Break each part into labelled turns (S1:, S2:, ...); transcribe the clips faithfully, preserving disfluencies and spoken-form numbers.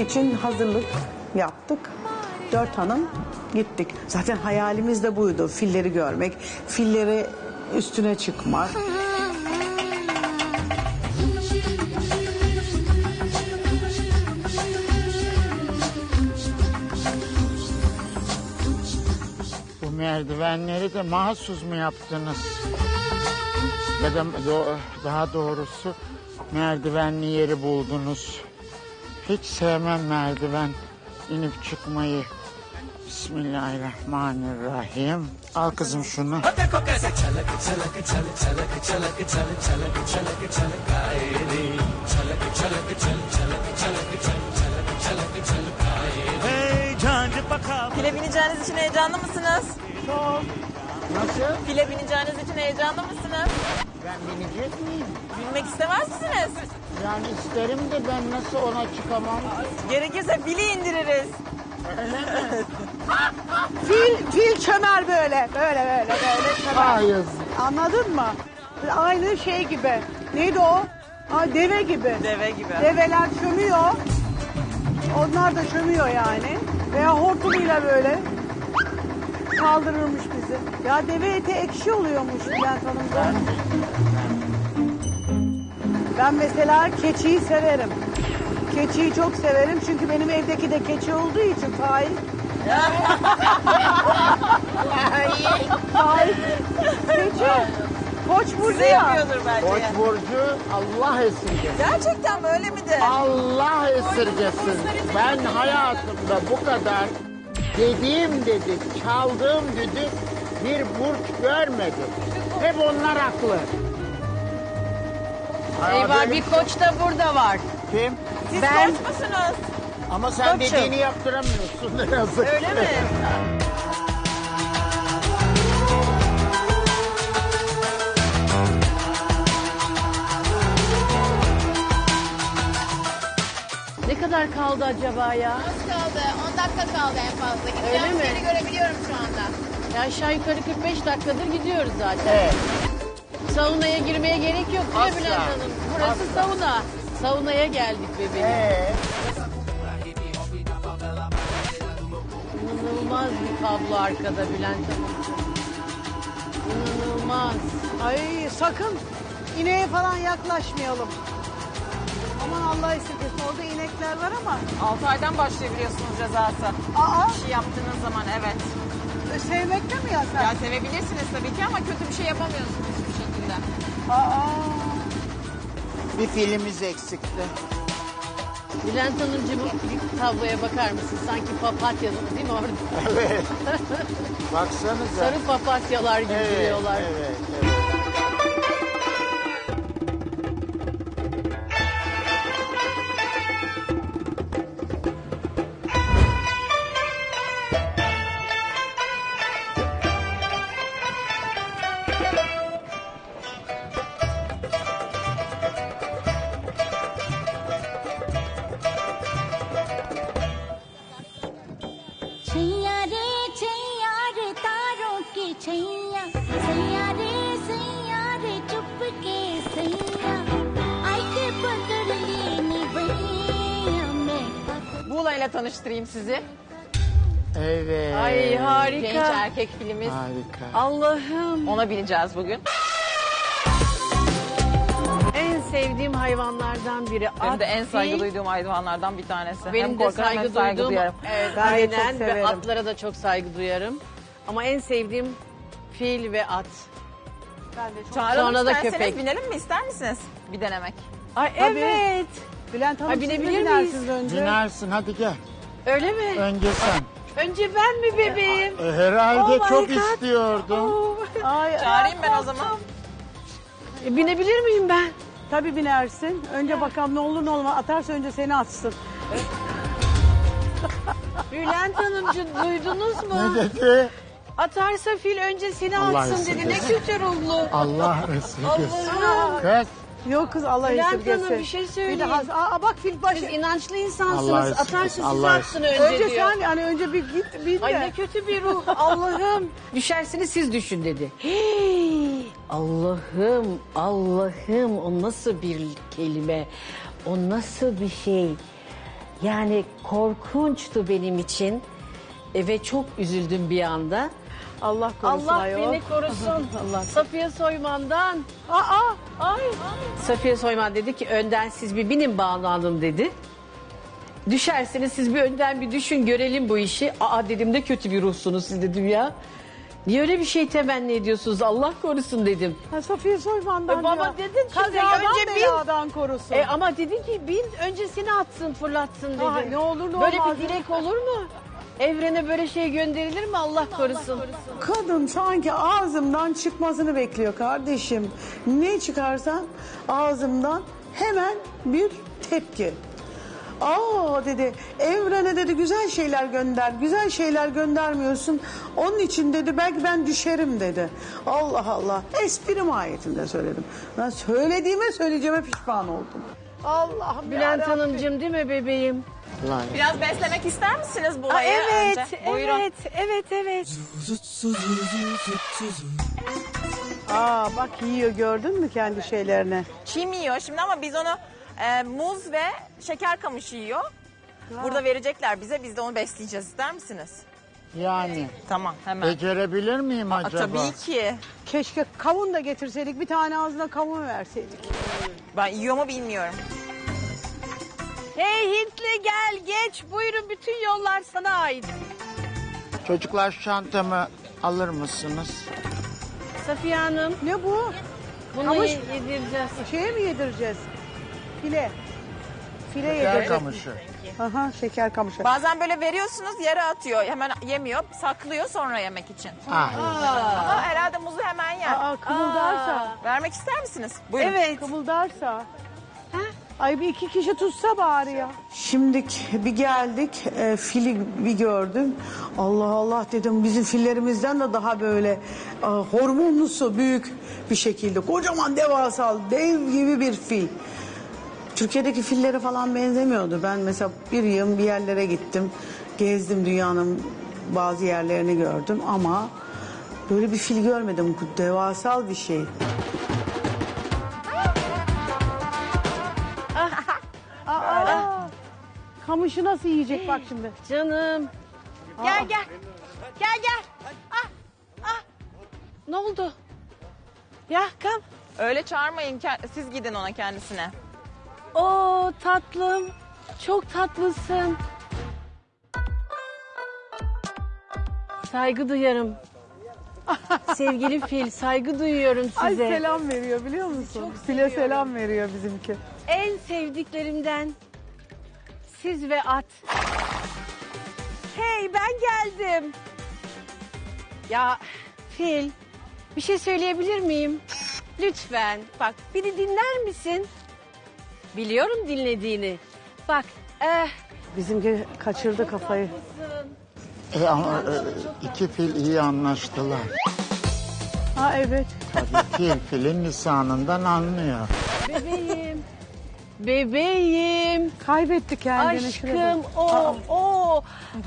S1: için hazırlık yaptık. Dört hanım gittik. Zaten hayalimiz de buydu. Filleri görmek, filleri üstüne çıkmak.
S2: Bu merdivenleri de mahsus mu yaptınız? Ya da do- daha doğrusu merdivenli yeri buldunuz. Hiç sevmem merdiven inip çıkmayı. Bismillahirrahmanirrahim. Al kızım şunu.
S3: File bineceğiniz için heyecanlı mısınız?
S2: Çok. Nasıl?
S3: File bineceğiniz için heyecanlı mısınız?
S2: Ben binecek miyim?
S3: Binmek istemez misiniz?
S2: Yani isterim de ben nasıl ona çıkamam?
S3: Gerekirse fili indiririz.
S1: Fil, fil çömer böyle, böyle böyle böyle çömer.
S2: Hayır.
S1: Anladın mı? Aynı şey gibi. Neydi o? Ha, deve gibi.
S3: Deve gibi.
S1: Develer çömüyor. Onlar da çömüyor yani. Veya hortumuyla böyle kaldırırmış bizi. Ya deve eti ekşi oluyormuş Bülent Hanım'da. Ben mesela keçiyi severim. Keçiyi çok severim çünkü benim evdeki de keçi olduğu için Faik. Faik. Keçi. Koç burcu
S3: Size
S1: ya.
S3: yapıyordur bence.
S2: Koç burcu Allah esirgesin.
S3: Gerçekten böyle midir?
S2: Allah esirgesin. Ben hayatımda bu kadar dediğim dedik, çaldığım düdük bir burç görmedim. Hep onlar haklı.
S4: Eyvah
S2: Benim-
S4: bir koç da burada var.
S2: Kim?
S3: Siz
S4: Ben-
S3: koç musunuz?
S2: Ama sen
S3: Koçum.
S2: dediğini yaptıramıyorsun. Ne yazık
S3: Öyle
S2: ki.
S3: mi?
S4: Ne kadar kaldı acaba ya?
S5: Az kaldı. on dakika kaldı en fazla.
S4: Öyle
S5: Gideceğim
S4: mi?
S5: yeri görebiliyorum şu anda.
S4: Ya aşağı yukarı kırk beş dakikadır gidiyoruz zaten.
S2: Evet.
S4: Saunaya girmeye gerek yok değil mi
S2: Asla.
S4: Bülent Hanım? Burası
S2: Asla.
S4: sauna. Saunaya geldik bebeğim.
S2: Ee,
S4: İnanılmaz bir kablo arkada Bülent Hanımcığım. İnanılmaz.
S1: Ay sakın ineğe falan yaklaşmayalım. Aman Allah esirgesin. Orada inekler var ama.
S3: altı aydan başlayabiliyorsunuz cezası.
S1: Aa,
S3: Bir şey yaptığınız zaman evet.
S1: sevmekte mi yasak?
S3: Ya sevebilirsiniz tabii ki ama kötü bir şey yapamıyorsunuz hiçbir şekilde.
S1: Aa.
S2: bir filmimiz eksikti.
S4: Bülent Hanımcığım bir tabloya bakar mısın? Sanki papatya değil mi orada?
S2: Evet. Baksanıza.
S4: Sarı papatyalar gibi
S2: Evet,
S4: duruyorlar.
S2: evet, evet.
S6: छैया रे छैया रे तारों के छैया सैया रे सैया रे चुप के सैया आई के पकड़ लेनी भैया मैं
S3: Muğla ile tanıştırayım sizi.
S2: Evet.
S4: Ay harika.
S3: Genç erkek filmimiz.
S2: Harika.
S4: Allah'ım.
S3: Ona bineceğiz bugün.
S4: En sevdiğim hayvanlardan biri.
S3: Benim
S4: At
S3: de en saygı
S4: değil.
S3: duyduğum hayvanlardan bir tanesi.
S4: Benim
S3: hem
S4: de
S3: korkarım hem
S4: saygı
S3: saygı
S4: duyduğum.
S3: duyarım.
S4: Evet,
S1: Ben de çok
S4: aynen ve
S1: severim.
S4: atlara da çok saygı duyarım. Ama en sevdiğim fil ve at.
S1: Ben de çok.
S3: Çağıralım
S4: Sonra da
S3: isterseniz
S4: köpek.
S3: binelim mi ister misiniz? Bir denemek.
S4: Ay
S1: Tabii.
S4: evet.
S1: Bülent Hanım
S4: Ay,
S1: siz de
S4: binebilir
S1: binersiniz
S4: miyiz?
S1: önce.
S2: Binersin hadi gel.
S4: Öyle mi?
S2: Önce sen.
S4: Önce ben mi bebeğim?
S2: E, herhalde
S4: Oh my
S2: çok
S4: God.
S2: istiyordum.
S4: Oo.
S1: Ay,
S3: Çağırayım ben o zaman.
S4: E, binebilir miyim ben?
S1: Tabii binersin. Önce bakalım ne olur ne olmaz. Atarsa önce seni atsın.
S4: Bülent Hanımcığım duydunuz mu?
S2: Ne dedi?
S4: Atarsa fil önce seni
S2: Allah
S4: atsın dedi. Ne
S2: esirgesin.
S4: kötü ruhlu.
S2: Allah esirgesin.
S4: Allah'ım.
S2: Kız.
S1: Yok kız Allah
S4: Bülent
S1: esirgesin.
S4: Hanım bir şey
S1: Bir de
S4: söyleyeyim.
S1: has- Aa, bak fil başı.
S4: Siz inançlı
S2: Allah
S4: insansınız.
S2: esirgesin,
S4: Atarsa sizi
S2: Allah
S4: atsın önce,
S1: Önce
S4: diyor.
S1: sen yani önce bir git bin
S4: Ay
S1: de.
S4: ne kötü bir ruh Allah'ım. Düşersiniz siz düşün dedi. Hey, Allah'ım Allah'ım o nasıl bir kelime? O nasıl bir şey? Yani korkunçtu benim için. E, ve çok üzüldüm bir anda.
S1: Allah korusun
S4: Allah
S1: ayol.
S4: beni korusun.
S1: Allah.
S4: Safiye Soyman'dan.
S1: Aa,
S4: Ay. Safiye Soyman dedi ki önden siz bir binin Banu Hanım dedi. Düşerseniz siz bir önden bir düşün görelim bu işi. Aa dedim de kötü bir ruhsunuz siz dedim ya. Niye öyle bir şey temenni ediyorsunuz Allah korusun dedim.
S1: ha, Safiye Soyman'dan
S4: E baba
S1: ya.
S4: dedin şimdi
S1: Kazadan
S4: önce bin.
S1: beladan korusun.
S4: E ama dedin ki bin öncesini atsın fırlatsın dedi.
S1: Ha, ne olur ne
S4: Böyle
S1: olmaz.
S4: bir dilek olur mu? Evrene böyle şey gönderilir mi Allah korusun?
S1: Kadın sanki ağzımdan çıkmasını bekliyor kardeşim. Ne çıkarsa ağzımdan hemen bir tepki. Aa dedi evrene dedi güzel şeyler gönder. Güzel şeyler göndermiyorsun. Onun için dedi belki ben düşerim dedi. Allah Allah. Espri mahiyetinde söyledim. Ben söylediğime söyleyeceğime pişman oldum. Allah'ım
S4: Bülent
S1: yarabbim.
S4: Hanımcığım değil mi bebeğim?
S2: Lan.
S3: Biraz beslemek ister misiniz bu
S4: Aa,
S3: olayı
S4: evet,
S3: önce? Buyurun.
S4: evet, evet, evet.
S1: Aa bak yiyor gördün mü kendi şeylerini?
S3: Çim yiyor şimdi ama biz onu e, muz ve şeker kamışı yiyor. Burada verecekler bize, biz de onu besleyeceğiz. İster misiniz?
S2: Yani
S3: Tamam, hemen.
S2: becerebilir miyim
S3: Aa,
S2: acaba?
S3: tabii ki.
S1: Keşke kavun da getirseydik bir tane ağzına kavun verseydik.
S3: Ben yiyor mu bilmiyorum.
S4: Hey Hintli gel geç buyurun bütün yollar sana ait.
S2: Çocuklar şu çantamı alır mısınız?
S4: Safiye Hanım
S1: Ne bu?
S4: bunu
S1: Kamış-
S4: ye- yedireceğiz.
S1: Şeye mi yedireceğiz? File. File
S2: Yer
S1: yedireceğiz.
S2: kamışı.
S1: Aha şeker kamışı.
S3: Bazen böyle veriyorsunuz, yere atıyor. Hemen yemiyor, saklıyor sonra yemek için.
S2: Ah,
S3: Ama herhalde muzu hemen yer.
S1: Aa kımıldarsa.
S3: Vermek ister misiniz? Buyurun.
S4: Evet.
S1: Kımıldarsa. Ay bir iki kişi tutsa bari ya. Şimdi bir geldik e, fili bir gördüm. Allah Allah dedim bizim fillerimizden de daha böyle e, hormonlusu büyük bir şekilde. Kocaman devasal dev gibi bir fil. Türkiye'deki fillere falan benzemiyordu. Ben mesela bir yıl bir yerlere gittim. Gezdim dünyanın bazı yerlerini gördüm ama böyle bir fil görmedim. Devasal bir şey. Aa, kamışı nasıl yiyecek bak şimdi.
S4: Canım. Gel gel. Gel gel. Ah, ah. Ne oldu? Ya kam.
S3: Öyle çağırmayın, ke- siz gidin ona kendisine.
S4: Oo tatlım. Çok tatlısın. Saygı duyarım. Sevgili fil saygı duyuyorum
S1: Ay
S4: size.
S1: selam veriyor biliyor musun? File selam veriyor bizimki.
S4: En sevdiklerimden siz ve at. Hey ben geldim. Ya fil bir şey söyleyebilir miyim? Lütfen bak beni dinler misin? Biliyorum dinlediğini. Bak eh,
S1: Bizimki kaçırdı kafayı.
S2: e, ama, e, iki fil iyi anlaştılar.
S1: Ha evet.
S2: Tabii fil filin lisanından anlıyor.
S4: bebeğim. Bebeğim.
S1: Kaybetti kendini. şuraya
S4: Aşkım
S1: bak.
S4: o o.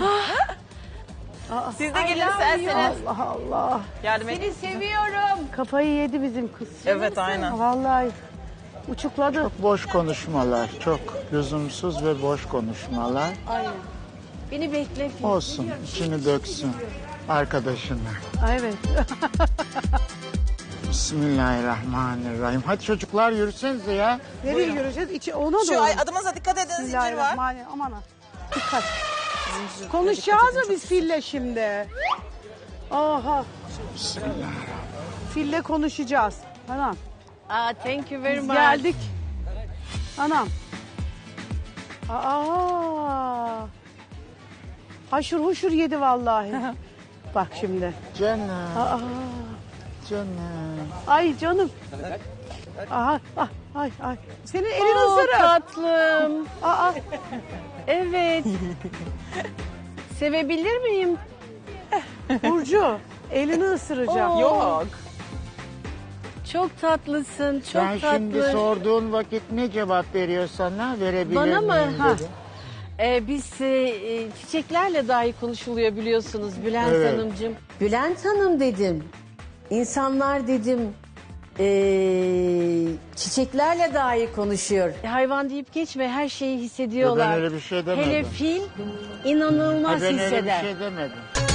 S3: Siz de
S4: I
S3: gelin
S4: love
S3: isterseniz.
S1: Allah Allah.
S3: Yardım edin.
S4: Seni seviyorum.
S1: Kafayı yedi bizim kız.
S3: Evet, aynen.
S1: Vallahi uçukladı.
S2: Boş konuşmalar, çok lüzumsuz ve boş konuşmalar.
S4: Beni bekle fil.
S2: Olsun, içini döksün arkadaşına.
S1: Ay, evet.
S2: Bismillahirrahmanirrahim. Hadi çocuklar yürüsenize ya.
S1: Nereye yürüyeceğiz? İçi ona doğru.
S3: Şu ay, adımıza dikkat edin, zincir var.
S1: Bismillahirrahmanirrahim. Aman ha. Dikkat. Konuşacağız mı biz fille şimdi? Aha.
S2: Bismillahirrahmanirrahim.
S1: Fille konuşacağız. Anam.
S4: Aa, thank you very
S1: Biz
S4: much.
S1: geldik. Anam. Aa. Haşır huşur yedi vallahi. Bak şimdi.
S2: Canım,
S1: Aa.
S2: canım.
S1: Ay canım. Aha, ah, ay ay. Senin elin
S4: Oo,
S1: ısırır.
S4: tatlım.
S1: Aa,
S4: Evet. Sevebilir miyim?
S1: Burcu, elini ısıracağım.
S4: Oo.
S3: Yok.
S4: Çok tatlısın, çok
S2: Sen
S4: tatlı.
S2: şimdi sorduğun vakit ne cevap veriyor sana? Verebilir
S4: Bana mı?
S2: miyim
S4: Ha.
S2: dedi.
S4: Ee, biz e, e, çiçeklerle dahi konuşuluyor biliyorsunuz Bülent
S2: Evet.
S4: Hanımcığım. Bülent Hanım dedim. İnsanlar dedim Ee, çiçeklerle dahi konuşuyor. Hayvan deyip geçme, her şeyi hissediyorlar.
S2: Ben öyle bir şey demedim.
S4: Hele fil inanılmaz
S2: Ha, ben öyle bir
S4: hisseder.
S2: şey demedim.